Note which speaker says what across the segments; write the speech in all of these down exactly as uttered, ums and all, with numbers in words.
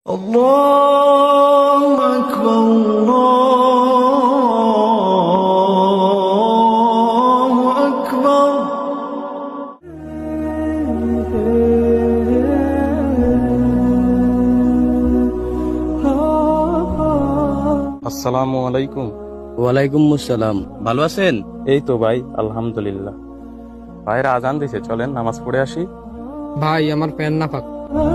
Speaker 1: আল্লাহু আকবার, আল্লাহু আকবার।
Speaker 2: আসসালামু আলাইকুম।
Speaker 3: ওয়ালাইকুম আসসালাম। ভালো আছেন?
Speaker 2: এই তো ভাই, আলহামদুলিল্লাহ। ভাইরা আজান দিছে, চলেন নামাজ পড়ে আসি।
Speaker 4: ভাই আমার প্যান না পাক।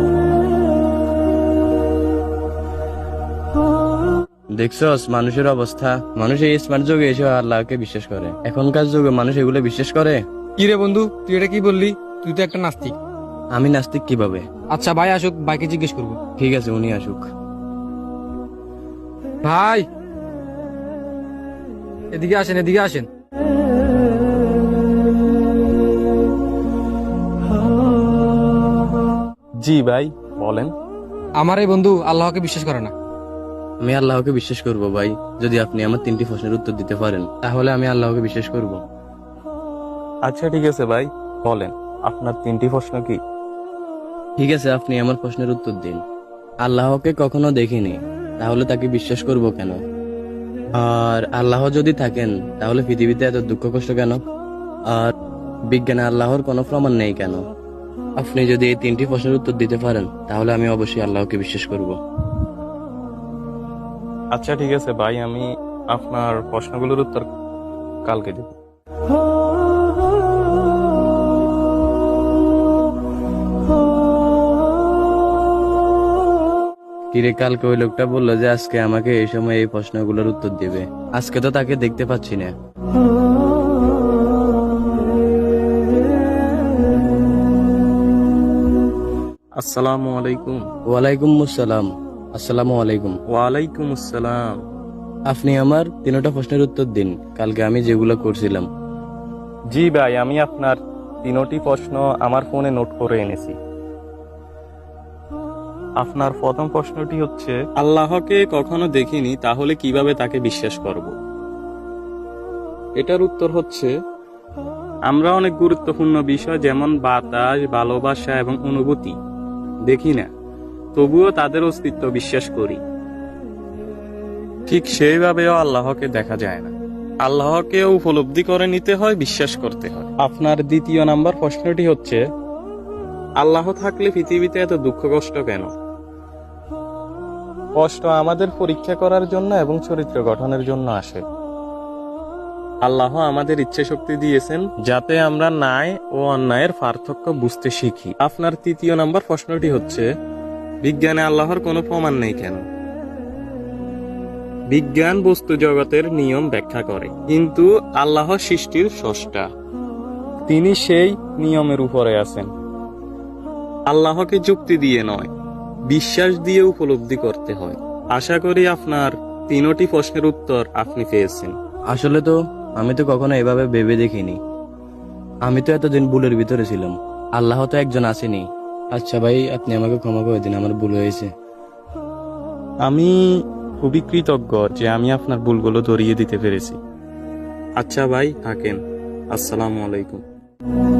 Speaker 3: দেখছস মানুষের অবস্থা। মানুষ এই স্মার্ট যুগে এসে আল্লাহকে বিশ্বাস করে। এখনকার যুগে মানুষ এগুলো বিশ্বাস করে?
Speaker 4: কি রে বন্ধু, তুই এটা কি বললি? তুই তো একটা নাস্তিক।
Speaker 3: আমি নাস্তিক কিভাবে?
Speaker 4: আচ্ছা ভাই আসুক, ভাইকে জিজ্ঞেস করবো।
Speaker 3: ঠিক আছে, উনি আসুক।
Speaker 4: ভাই এদিকে আসেন, এদিকে আসেন।
Speaker 2: জি ভাই, বলেন।
Speaker 4: আমার এই বন্ধু আল্লাহকে বিশ্বাস করে না।
Speaker 3: আমি আল্লাহকে বিশ্বাস করব ভাই, যদি আপনি আমার তিনটি প্রশ্নের উত্তর দিতে পারেন, তাহলে আমি আল্লাহকে বিশ্বাস করব।
Speaker 2: আচ্ছা ঠিক আছে ভাই, বলেন আপনার তিনটি প্রশ্ন কি?
Speaker 3: ঠিক আছে, আপনি আমার প্রশ্নের উত্তর দিন। আল্লাহকে কখনো দেখিনি, তাহলে তাকে বিশ্বাস করব কেন? আর আল্লাহ যদি থাকেন, তাহলে পৃথিবীতে এত দুঃখ কষ্ট কেন? আর বিজ্ঞানে আল্লাহর কোনো প্রমাণ নেই কেন? আপনি যদি এই তিনটি প্রশ্নের উত্তর দিতে পারেন, তাহলে আমি অবশ্যই আল্লাহকে বিশ্বাস করব।
Speaker 2: আচ্ছা ঠিক আছে ভাই, আমি আপনার প্রশ্নগুলোর উত্তর কালকে দেব।
Speaker 3: কিরে, কালকে ওই লোকটা বললো যে আজকে আমাকে এই সময় এই প্রশ্নগুলোর উত্তর দিবে। আজকে তো তাকে দেখতে পাচ্ছি না।
Speaker 2: আসসালামু আলাইকুম।
Speaker 3: ওয়ালাইকুম আসসালাম। আসসালামু আলাইকুম।
Speaker 2: ওয়ালাইকুম আসসালাম।
Speaker 3: আপনি আমার তিনটা প্রশ্নের উত্তর দিন, কালকে আমি যেগুলো করছিলাম।
Speaker 2: জি ভাই, আমি আপনার তিনটি প্রশ্ন আমার ফোনে নোট করে এনেছি। আপনার প্রথম প্রশ্নটি হচ্ছে, আল্লাহকে কখনো দেখিনি, তাহলে কিভাবে তাকে বিশ্বাস করব? এটার উত্তর হচ্ছে, আমরা অনেক গুরুত্বপূর্ণ বিষয় যেমন বাতাস, ভালোবাসা এবং অনুভূতি দেখি না, তবুও তাদের অস্তিত্ব বিশ্বাস করি। ঠিক সেইভাবেও আল্লাহকে দেখা যায় না। আল্লাহকে উপলব্ধি করে নিতে হয়, বিশ্বাস করতে হয়। আপনার দ্বিতীয় নাম্বার প্রশ্নটি হচ্ছে, আল্লাহ থাকলে পৃথিবীতে এত দুঃখ কষ্ট কেন? কষ্ট আমাদের পরীক্ষা করার জন্য এবং চরিত্র গঠনের জন্য আসে। আল্লাহ আমাদের ইচ্ছে শক্তি দিয়েছেন যাতে আমরা ন্যায় ও অন্যায়ের পার্থক্য বুঝতে শিখি। আপনার তৃতীয় নাম্বার প্রশ্নটি হচ্ছে, বিজ্ঞানে আল্লাহর কোনো প্রমাণ নেই কেন? বিজ্ঞান বস্তু জগতের নিয়ম ব্যাখ্যা করে, কিন্তু আল্লাহ সৃষ্টির স্রষ্টা। তিনি সেই নিয়মের উপরে আছেন। আল্লাহকে যুক্তি দিয়ে নয়, বিশ্বাস দিয়ে উপলব্ধি করতে হয়। আশা করি আপনার তিনটি প্রশ্নের উত্তর আপনি পেয়েছেন।
Speaker 3: আসলে তো আমি তো কখনো এভাবে ভেবে দেখিনি। আমি তো এতদিন ভুলের ভিতরে ছিলাম। আল্লাহ তো একজন আসেনি। আচ্ছা ভাই, আপনি আমাকে ক্ষমা করে দিন, আমার ভুল হয়েছে।
Speaker 2: আমি খুবই কৃতজ্ঞ যে আমি আপনার ভুলগুলো ধরিয়ে দিতে পেরেছি। আচ্ছা ভাই, থাকেন। আসসালামু আলাইকুম।